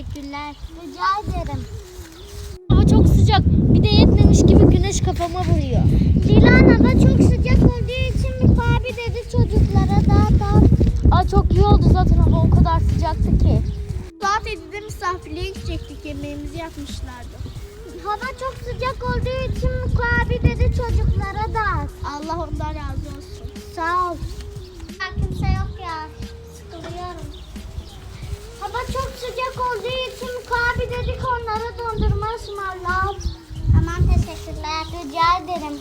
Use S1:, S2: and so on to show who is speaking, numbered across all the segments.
S1: teşekkürler.
S2: Rica ederim.
S1: Hava çok sıcak. Bir de yetmemiş gibi güneş kafama vuruyor.
S2: Dilan hava çok sıcak olduğu için Miko abi dedi çocuklara dağıt.
S1: Aa, çok iyi oldu zaten hava o kadar sıcaktı ki.
S2: Saat 7'de misafirliğe gidecektik, yemeğimizi yapmışlardı. Hava çok sıcak olduğu için Miko abi dedi çocuklara dağıt. Allah ondan razı olsun. Sağ ol. Kimse yok ya. Sıkılıyorum. Hava çok sıcak olduğu için Miko abi dedik onlara dondurma ısmarla. Aman teşekkürler. Rica ederim.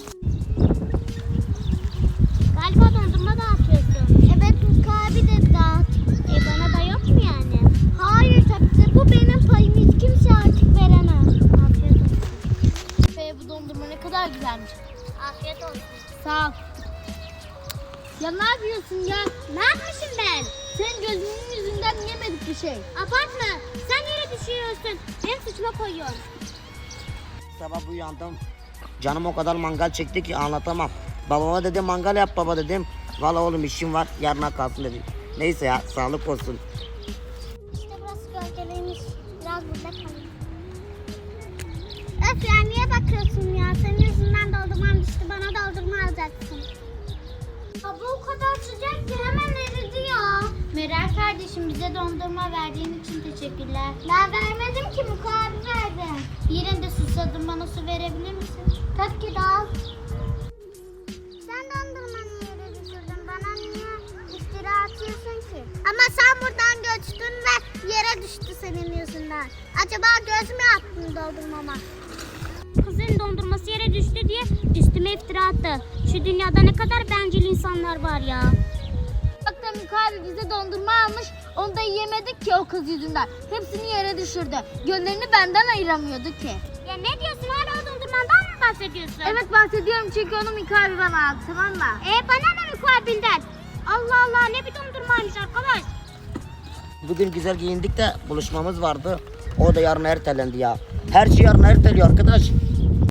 S2: Galiba dondurma dağıtıyorsun. Evet Miko abi dedi dağıt. Bana da yok mu yani? Hayır tabii ki. Bu benim payım. Hiç kimse artık veremez. Afiyet olsun.
S1: Bu dondurma ne kadar güzelmiş.
S2: Afiyet olsun.
S1: Sağ ol. Ya ne yapıyorsun ya?
S2: Ne yapmışım ben?
S1: Senin gözünün yüzünden yemedik bir şey.
S2: Abartma. Sen yere düşüyorsun. Benim suçuma koyuyorsun.
S3: Sabah uyandım. Canım o kadar mangal çekti ki anlatamam. Babama dedim mangal yap baba dedim. Valla oğlum işim var yarına kalsın dedi. Neyse ya sağlık olsun.
S2: İşte burası gölgeliymiş. Biraz burada kalayım. Öf ya niye bakıyorsun ya? Senin yüzünden doldurmam düştü. Bana doldurma alacaksın. Hava o kadar sıcak ki hemen eridi ya.
S1: Meral kardeşim bize dondurma verdiğin için teşekkürler.
S2: Ben vermedim ki Miko abi verdi.
S1: Yine de susadım, bana su verebilir misin?
S2: Tabii ki de al. Sen dondurmanı yere düşürdün. Bana niye iftira atıyorsun ki? Ama sen buradan göçtün ve yere düştü senin yüzünden. Acaba göz mü attın dondurmama?
S4: Kızın dondurması yere düştü diye üstüme iftira attı. Şu dünyada ne kadar bencil insanlar var ya.
S1: Bak da Miko abi bize dondurma almış, onu da yiyemedik ki o kız yüzünden. Hepsini yere düşürdü. Gönlünü benden ayıramıyordu ki.
S4: Ya ne diyorsun, hala o dondurmandan mı bahsediyorsun?
S1: Evet bahsediyorum çünkü onu Miko abi bana aldı, tamam mı?
S4: Bana ne mukabilden? Allah Allah, ne bir dondurmaymış arkadaş.
S3: Bugün güzel giyindik de buluşmamız vardı. O da yarın ertelendi ya. Her şey yarın erteliyor arkadaş.